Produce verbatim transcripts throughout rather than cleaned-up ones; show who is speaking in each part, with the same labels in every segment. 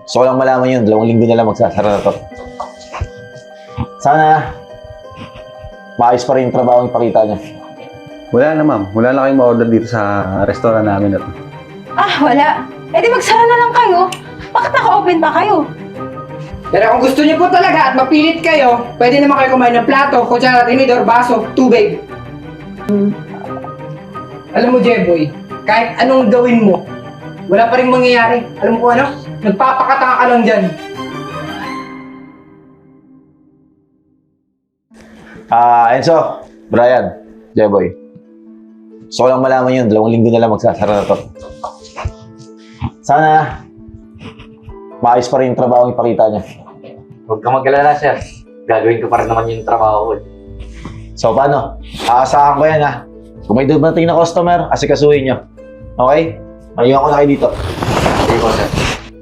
Speaker 1: Gusto ko lang malaman yun. Dalawang linggo na lang magsasara na to. Sana, maayos pa rin yung trabaho yung ipakita niya.
Speaker 2: Wala na ma'am. Wala na kayong ma-order dito sa restaurant namin na to.
Speaker 3: Ah, wala. Eh di magsara na lang kayo. Bakit naka-open pa kayo?
Speaker 4: Pero kung gusto niyo po talaga at mapilit kayo, pwede naman kayo kumain ng plato, kutsara, tinidor, baso, tubig. Alam mo, Jeboy, kahit anong gawin mo, wala pa rin mangyayari. Alam mo kung ano? Nagpapakatanga ka lang dyan.
Speaker 1: Ah, Enzo, Brian, Jeboy. Gusto ko lang malaman yun. Dalawang linggo na lang magsasara na to. Sana, maayos pa rin yung trabaho yung ipakita niya.
Speaker 5: Huwag kang mag-alala, sir. Gagawin ko pa rin naman yung trabaho ko.
Speaker 1: So, paano? Aasahan ko yan, ha? Kung may dumating na customer, asikasuhin niyo. Okay? Mayuhan ko na kayo dito.
Speaker 5: Sige po, sir.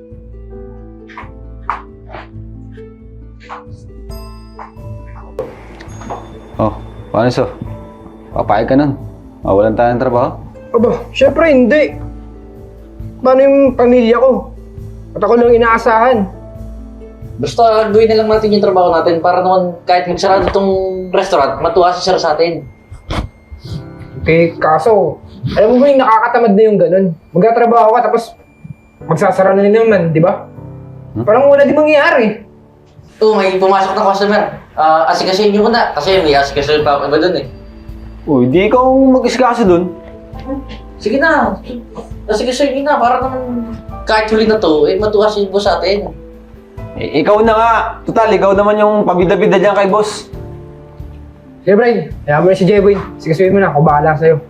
Speaker 2: Oh, paano so? Papayag ka nun. Mawalan tayo ng trabaho?
Speaker 4: Aba, syempre hindi. Paano yung pamilya ko? At ako lang inaasahan.
Speaker 5: Basta gawin na lang natin yung trabaho natin para naman kahit magsarado itong restaurant, matuwa si sir sa atin.
Speaker 4: Okay, kaso, alam mo ba yung nakakatamad na yung ganun? Magtatrabaho ka tapos magsasara na naman, di ba?
Speaker 2: Hmm?
Speaker 4: Parang wala di mangyayari.
Speaker 5: Oo, may pumasok na customer. Ah, asikasuhin niyo muna kasi may asikasuhin pa ako iba dun eh.
Speaker 2: Uy, di ikaw mag-iskasa dun.
Speaker 5: Sige na, asikasuhin niyo na para naman kahit huli na to, eh matuwa si boss sa atin.
Speaker 2: Eh, ikaw na nga. Total, ikaw naman yung pabida-bida dyan kay boss.
Speaker 4: Sige, Brian, kaya mo na si Jeboy. Sigasuhin mo na, ako bahala sa'yo.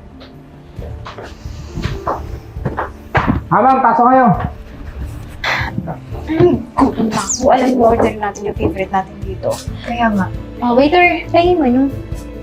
Speaker 4: Ha, ma'am, pasok kayo.
Speaker 3: Gutom na ako. Alam mo, order natin yung favorite natin dito.
Speaker 6: Kaya nga.
Speaker 3: Oh, waiter, pahingin mo yung...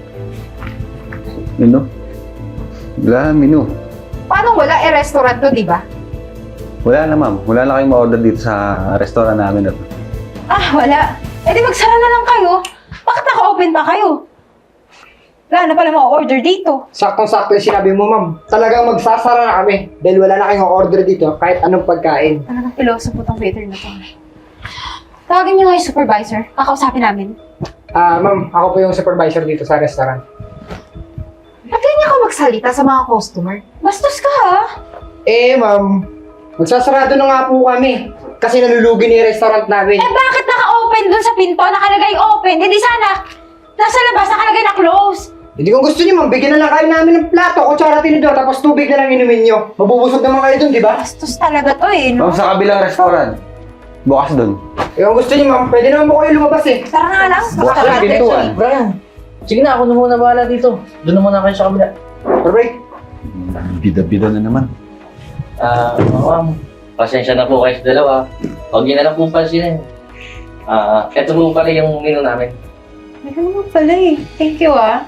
Speaker 2: Menu? Wala, menu.
Speaker 6: Paano wala? Eh, restaurant to, di ba?
Speaker 2: Wala na ma'am. Wala na kayong ma-order dito sa restaurant namin na to.
Speaker 3: Ah, wala. Eh di magsara na lang kayo. Bakit naka-open pa kayo? Wala na pala ma-order dito.
Speaker 4: Saktong-sakto yung sinabi mo, ma'am. Talagang magsasara na kami dahil wala na kayong order dito kahit anong pagkain.
Speaker 3: Talagang piloso po tong waiter na to. Tawagin niyo nga yung supervisor. Kakausapin namin.
Speaker 4: Ah, ma'am, ako po yung supervisor dito sa restaurant.
Speaker 6: Ba't ganyan ka magsalita sa mga customer?
Speaker 3: Bastos ka ha?
Speaker 4: Eh, ma'am, magsasarado na nga po kami kasi nalulugi na yung restaurant namin.
Speaker 3: Eh bakit naka-open dun sa pinto? Nakalagay open. Hindi sana nasa labas nakalagay na close.
Speaker 4: Hindi kung gusto niyo, ma'am, bigyan na lang kayo namin ng plato, kutsara, tinidor, tapos tubig na lang inumin niyo. Mabubusog naman kayo dun, di ba?
Speaker 3: Bastos talaga to eh, no?
Speaker 2: Ma'am, sa kabilang restaurant. Bukas dun.
Speaker 4: Eh, kung gusto niyo, ma'am, pwede naman po kayo lumabas eh.
Speaker 3: Tara na nga lang.
Speaker 2: Bukas yung pintuan.
Speaker 5: Brian, sige na, ako na muna bahala dito. Doon na muna kayo sa kabila.
Speaker 4: Perfect.
Speaker 2: Bida-bida na naman.
Speaker 5: Ah, ma'am, pasensya na po kayo sa dalawa. Huwag niyo na lang po pansinin. Ah, eto po pala yung menu namin.
Speaker 3: Ay, ano naman pala eh. Thank you ah.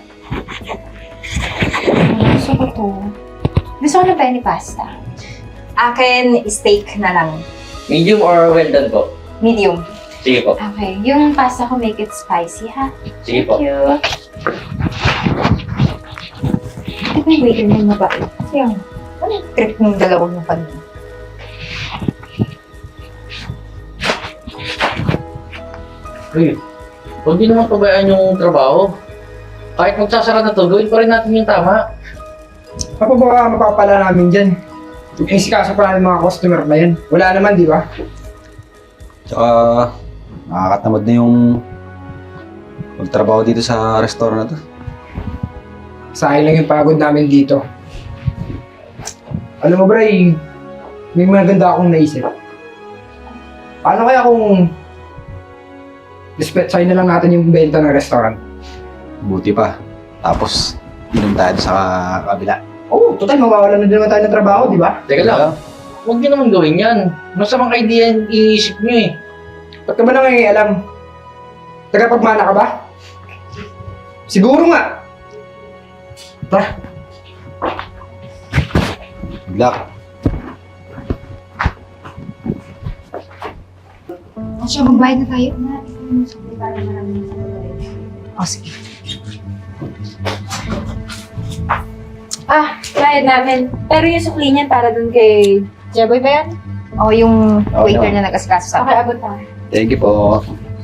Speaker 3: Gusto ko to. Gusto ko ng penny pasta.
Speaker 6: Akin, steak na lang.
Speaker 5: Medium or well done po?
Speaker 6: Medium.
Speaker 5: Sige po.
Speaker 3: Okay, yung pasta ko make it spicy ha.
Speaker 5: Sige po.
Speaker 3: Thank you. Ito ba yung waiter na yung mabait?
Speaker 6: Yung, ano yung trip ng dalawang yung kanina?
Speaker 5: Uy, huwag din naman pabayaan yung trabaho. Kahit magsasara na to, gawin pa rin natin yung tama.
Speaker 4: Ano ba mapapala namin dyan? Eh, sikasa pa namin mga customer na yan. Wala naman, di ba?
Speaker 2: Tsaka, nakakatamad na yung magtrabaho dito sa restaurant na to.
Speaker 4: Sayang lang yung pagod namin dito. Alam mo, Bray, may maganda akong naisip. Paano kaya kung dispatchay na lang natin yung benta ng restaurant?
Speaker 2: Buti pa. Tapos, inom tayo sa kabila.
Speaker 4: Oo, oh, total, mawawalan na din naman tayo ng trabaho, di ba?
Speaker 5: Teka lang, huwag niyo naman gawin yan. Masamang idea yung iniisip niyo eh.
Speaker 4: Ba't ka ba nangangialam? Tagapagmana ka ba? Siguro nga. Tara.
Speaker 2: Good luck.
Speaker 6: Asya, magbayad na tayo.
Speaker 3: Oh, sige. Ah, bayad namin. Pero yung sukli niyan para dun kay...
Speaker 6: Jeboy ba yan?
Speaker 3: O yung
Speaker 2: Oo
Speaker 3: waiter
Speaker 2: naman.
Speaker 3: na nag-asikaso sa
Speaker 6: Okay, abot na.
Speaker 2: Thank you po.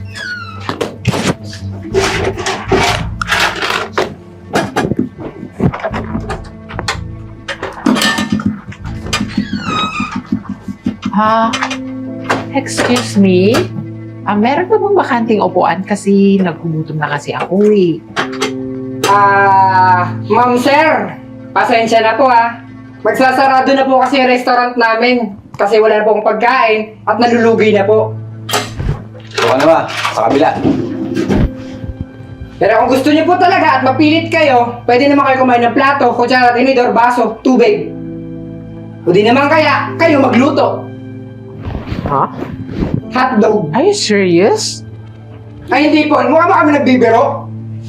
Speaker 7: Ha? Excuse me? Ah, meron ba bang bakanting upuan? Kasi nagugutom na kasi ako eh.
Speaker 4: Ah, ma'am sir, pasensya na po ah. Magsasarado na po kasi yung restaurant namin kasi wala na pong pagkain at nalulugi na po.
Speaker 2: Ito ka na ba? Sa kabila.
Speaker 4: Pero kung gusto niyo po talaga at mapilit kayo, pwede naman kayo kumain ng plato, kutsara, tinidor, baso, tubig. O di naman kaya, kayo magluto.
Speaker 7: Ha?
Speaker 4: Hotdog.
Speaker 7: Are you serious?
Speaker 4: Ay hindi po, mukha ba kami nagbibiro?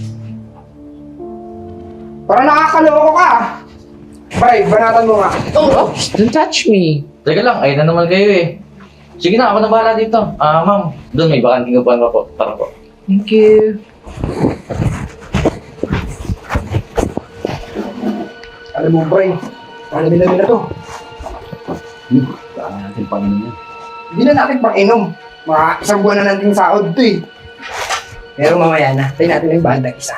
Speaker 4: Parang nakakaloko ka ah. Bye, banatan mo nga.
Speaker 7: Oh, don't touch me.
Speaker 5: Teka lang, ayun na naman kayo eh. Sige na, ako na bahala dito. Ah, ma'am, doon may bakanting upuan pa po. Tara po.
Speaker 7: Thank you.
Speaker 4: Alam mo, Bray, alamin namin na to.
Speaker 2: Saan natin panginoon yan?
Speaker 4: Hindi na natin pang inom. Mga isang buwan na natin sahod to eh. Pero mamaya na, tayo natin yung bandang isa.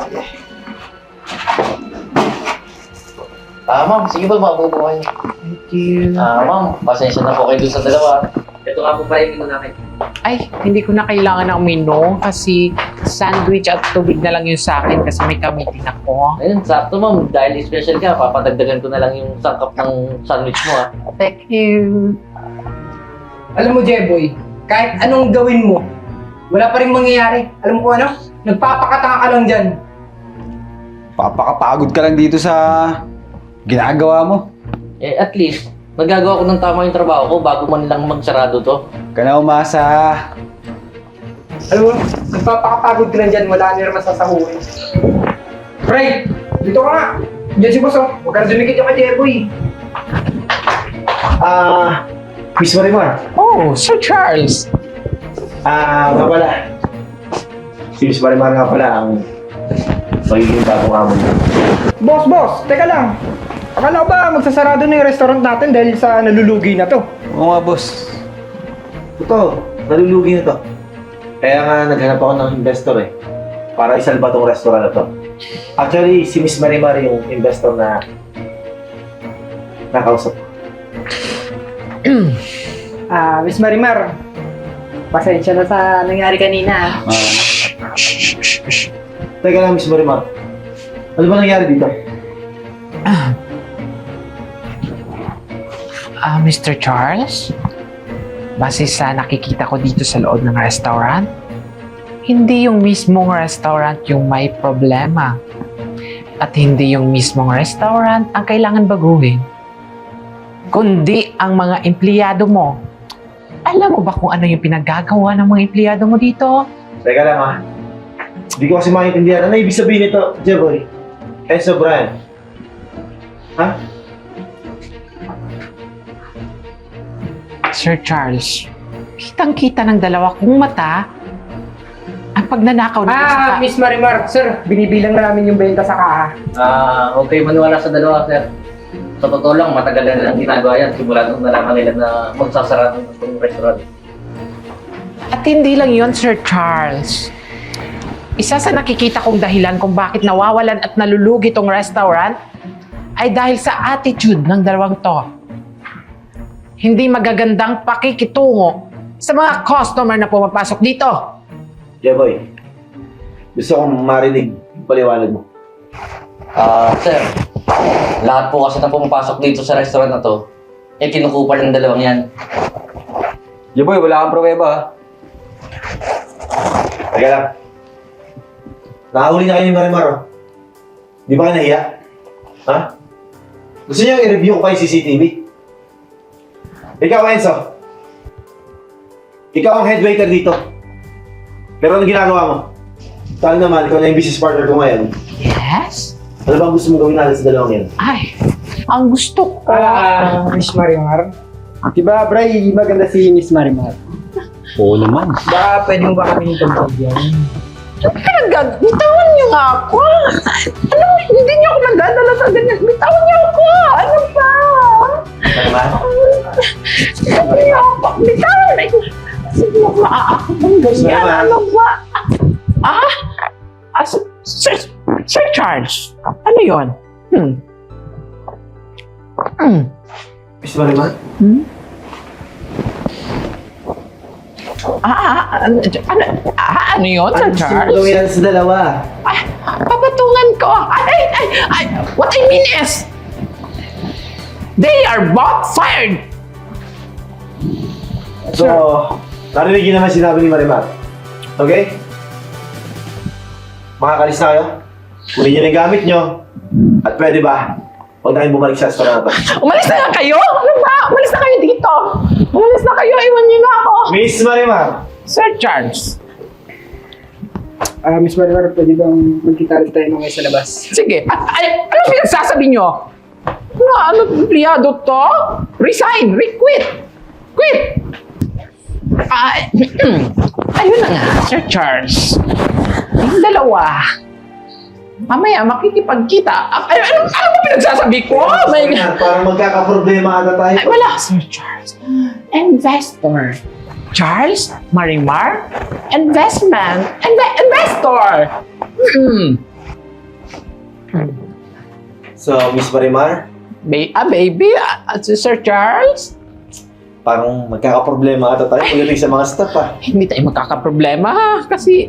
Speaker 5: Ah, ma'am, sige ba maupo po kayo?
Speaker 7: Thank you.
Speaker 5: Ah, ma'am, pasensya na po kayo dun sa dalawa. Ito nga po pala yung muna namin.
Speaker 7: Ay, hindi ko na kailangan ng uminom kasi sandwich at tubig na lang yung sa akin kasi may kamitin ako.
Speaker 5: Ayun, sakto ma'am, dahil special ka, papadagdagan ko na lang yung sangkap ng sandwich mo ah.
Speaker 7: Thank you.
Speaker 4: Alam mo, Jeboy, kahit anong gawin mo, wala pa rin mangyayari. Alam mo kung ano? Nagpapakatanga ka lang dyan.
Speaker 2: Papakapagod ka lang dito sa ginagawa mo.
Speaker 5: Eh, at least, nagagawa ko ng tama yung trabaho ko bago man lang magsarado to.
Speaker 2: Ka na umasa.
Speaker 4: Alam mo, nagpapakapagod ka lang dyan, wala nila masasahuhin. Bray, dito ka nga. Diyan si Boss, oh. Huwag ka na dumikit yung kay Jeboy.
Speaker 1: Ah, Miss Marimar.
Speaker 7: Oh, Sir Charles.
Speaker 1: Ah, nga pala. Si Miss Marimar nga pala ang magiging bagong amo niya.
Speaker 4: Boss, boss, teka lang. Akala ko ba magsasarado na yung restaurant natin dahil sa nalulugi na to?
Speaker 2: Oo nga, boss.
Speaker 1: Ito, nalulugi na to. Kaya nga naghanap ako ng investor eh. Para isalba tong restaurant na to. Actually, si Miss Marimar yung investor na nakausap ko.
Speaker 4: Ah, Miss Marimar, pasensya na sa nangyari kanina.
Speaker 2: Ah,
Speaker 1: Teka lang, Miss Marimar. Ano ba nangyari dito?
Speaker 7: Ah, Mister Charles? Base sa nakikita ko dito sa loob ng restaurant, hindi yung mismong restaurant yung may problema. At hindi yung mismong restaurant ang kailangan baguhin. Kundi ang mga empleyado mo. Alam mo ba kung ano yung pinagagawa ng mga empleyado mo dito?
Speaker 1: Teka lang ha. Hindi ko kasi maintindihan. Ano ibig sabihin nito, Jeboy? Enzo Brian? Ha?
Speaker 7: Sir Charles, kitang-kita ng dalawa kong mata ang pagnanakaw dito
Speaker 4: Ah,
Speaker 7: sa...
Speaker 4: Miss Marimar, sir, binibilang na namin yung benta sa kaha.
Speaker 5: Ah, okay maniwala sa dalawa, sir. Sa totoo lang, matagal na nilang ginagawa yan. Simula nung nalaman nila na magsasarado ng itong restaurant.
Speaker 7: At hindi lang yon, Sir Charles. Isa sa nakikita kong dahilan kung bakit nawawalan at nalulugi tong restaurant ay dahil sa attitude ng dalawang to. Hindi magagandang pakikitungo sa mga customer na pumapasok dito.
Speaker 1: Jeboy, gusto kong marinig yung paliwanag mo.
Speaker 5: Ah, sir. Lahat po kasi na pumapasok dito sa restaurant na to, eh kinukupal ng dalawang yan.
Speaker 2: Jeboy, wala kang pruweba ha.
Speaker 1: Teka lang. Nakahuli na kayo ni Marimar, oh. Di ba kayo nahiya? Ha? Gusto niyo i-review ko kayo C C T V? Ikaw, Enzo. Ikaw ang head waiter dito. Pero ano ginagawa mo? Tayo naman, ikaw na yung business partner ko ngayon.
Speaker 7: Yes?
Speaker 1: Ano bang gusto mong gawin natin sa dalawang yan?
Speaker 7: Ay, ang gusto ko...
Speaker 4: Ah, Miss Marimar. Diba, Bray, maganda si Miss Marimar.
Speaker 2: Oo naman.
Speaker 4: Baka pwede mo ba kami pagpagyan?
Speaker 7: Pinag- bitawan niyo nga ako. Ano, hindi niyo ako nagdadala sa ganyan. Bitawan niyo ako. Ano ba?
Speaker 1: Marimar?
Speaker 7: Bitawan! Sige mo maaakabang ganyan.
Speaker 1: Sir,
Speaker 7: Ano ba? Ah? ah Sir, Sir, Sir Charles, ano yun? Hmm. Hmm.
Speaker 1: Miss Marimar?
Speaker 7: Ah, ah, ano, ano, ah, ano yun, Sir Charles?
Speaker 1: Ano yan sa dalawa?
Speaker 7: Ay, papatungan ko. Ay, ay, ay, what I mean is, they are both fired.
Speaker 1: So, narinig niyo naman sinabi ni Marimar. Okay? Makakalis na kayo? Kunin niyo na yung gamit niyo. At pwede ba? Huwag na kayong bumalik sa restaurant na to.
Speaker 7: Umalis na nga kayo? Ano ba? Umalis na kayo dito. Umalis na kayo. Iwan niyo na ako.
Speaker 1: Miss Marimar!
Speaker 7: Sir Charles.
Speaker 4: Ah, Miss Marimar, pwede bang magkita rin tayo ngayon sa labas?
Speaker 7: Sige. At, ay, ano pinagsasabi niyo? Ano, ano, empleyado to? Resign. Re-quit. Quit. Ay, ayun na nga, Sir Charles. Yung dalawa. Mamaya, makikipagkita. Ay, ano, ano ba pinagsasabi ko? Oh my God.
Speaker 1: Parang magkakaproblema ata tayo.
Speaker 7: Ay, wala, Sir Charles. Investor. Charles, Marimar, investment, Inve- investor. Hmm.
Speaker 1: So, Miss Marimar,
Speaker 7: Ba- ah, baby, ah, Sir Charles,
Speaker 1: parang magkakaproblema ata tayo pagdating sa mga staff ah.
Speaker 7: hindi tayo magkakaproblema ha, kasi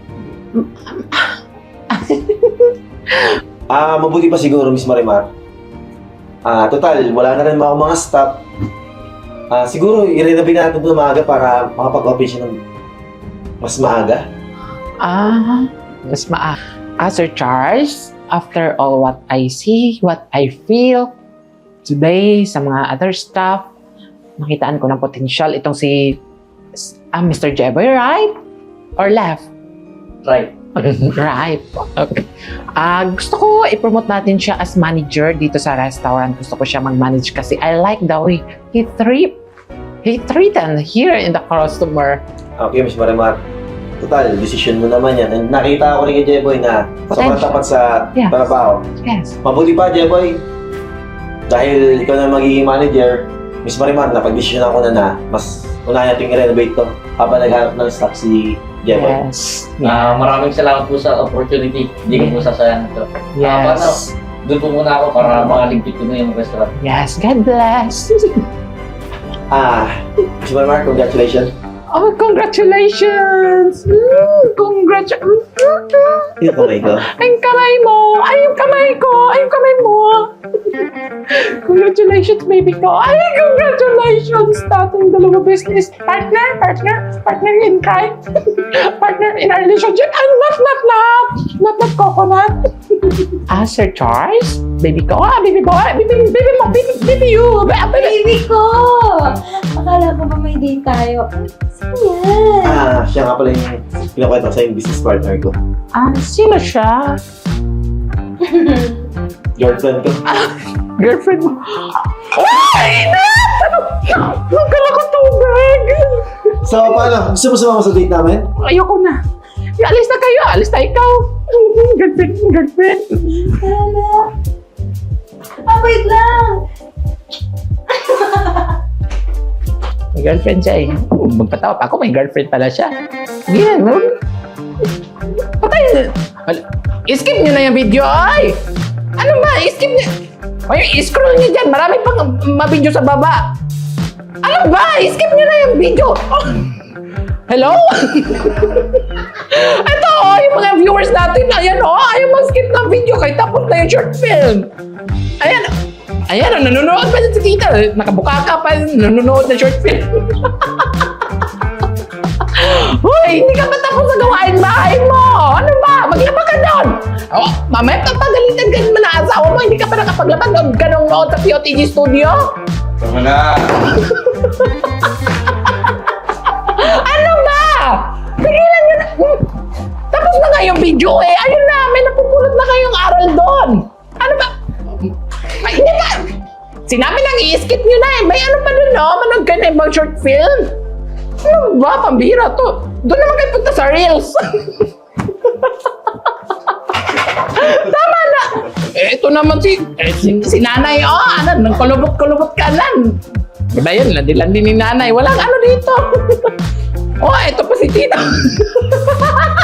Speaker 1: Ah, mabuti pa siguro, Miss Marimar. Ah, total, wala na rin mga mga staff. Ah, siguro, i-renovate natin ito maaga para makapag-open siya ng mas maaga.
Speaker 7: ah, mas maa. Ah, Sir Charles, after all what I see, what I feel today sa mga other staff, nakitaan ko ng potential itong si ah, Mister Jeboy, right? Or left?
Speaker 5: Right.
Speaker 7: Right. Okay. Ah, gusto ko i-promote natin siya as manager dito sa restaurant. Gusto ko siya mag-manage kasi I like the way he treat he treated here in the customer.
Speaker 1: Okay, Miss Marimar. Total, decision mo naman yan. And nakita ko rin kay Jeboy na sobrang
Speaker 7: Potential.
Speaker 1: tapat sa
Speaker 7: Yes.
Speaker 1: trabaho.
Speaker 7: Yes.
Speaker 1: Mabuti pa, Jeboy. Dahil ikaw na magiging manager, Miss Marimar, napag-decision ako na na mas unahin natin i-renovate to habang naghanap ng staff si Jeboy.
Speaker 7: Yes.
Speaker 5: Ah, maraming salamat po sa opportunity. Hindi ko po sasayang ito. Ah, paano?
Speaker 7: Yes.
Speaker 5: Doon po muna ako para makaligpit ko na yung restaurant.
Speaker 7: Yes. God bless.
Speaker 1: Ah, Miss Marimar, congratulations.
Speaker 7: Oh, congratulations! Mm, congratulations!
Speaker 1: Yung kamay ko.
Speaker 7: Ay, yung kamay mo! Ay, yung kamay ko! Ay, yung kamay mo! Congratulations, baby ko! Ay, congratulations! Dating dalawa business partner, partner, partner in crime, partner in a relationship, and not, not, not, not, not coconut. Ah, Sir Charles? Baby ko? Ah, baby boy? Baby, baby mo? Baby, baby you? Ba- Baby,
Speaker 3: Baby ko! Akala ko ba may date tayo? Sino yan?
Speaker 1: Ah, siya nga pala yung pinakwento ko sa yung business partner ko.
Speaker 7: ah, sino siya?
Speaker 1: Girlfriend ko.
Speaker 7: Girlfriend mo? Ay! Huwag ka lang tubig!
Speaker 1: So, paano? Gusto mo sumama sa date namin?
Speaker 7: Ayoko na. Alis na kayo. Alis na ikaw. Girlfriend, girlfriend.
Speaker 3: Hala. Ah, wait lang!
Speaker 7: May girlfriend siya eh. Oh, magpatawa pa ako. May girlfriend pala siya. Yan. Patay. Wala. I-skip nyo na yung video. Ay! Ano ba? I-skip nyo. Ay, i-scroll nyo dyan. Marami pang mabidyo sa baba. Ano ba? I-skip nyo na yung video. Oh. Hello? Ito, oh, yung mga viewers natin. Ayan, oh. Ayaw mag-skip ng video. Kahit tapos na yung short film. Ayan. Ayan, nanonood pa sa tita. Nakabuka ka pa. Nanonood ng short film. Hoy, hindi ka ba tapos sa gawain bahay mo? Ano ba? Maglaba ka doon. Oh, mamaya papagalitan ka naman na asawa mo. Hindi ka pa nakapaglaba doon ka nung nood sa P O T G Studio?
Speaker 2: Tama na!
Speaker 7: Ano ba? Pigilan nyo na. Hmm. Tapos na nga yung video eh. Ayun na, may napupulot na kayong aral doon. Ano ba? Ay, hindi ba? Sinabi lang i-skip nyo na eh. May ano pa doon, no? Manood ka na ibang short film. Ano ba? Pambira to. Doon naman kayo punta sa Reels. Tama na. Eh, ito naman si, eh, si, si nanay, oh, ano, nang kulubot-kulubot ka lan. Wala yun, landi-landi ni nanay. Walang ano dito. Oh, ito pa si Tito.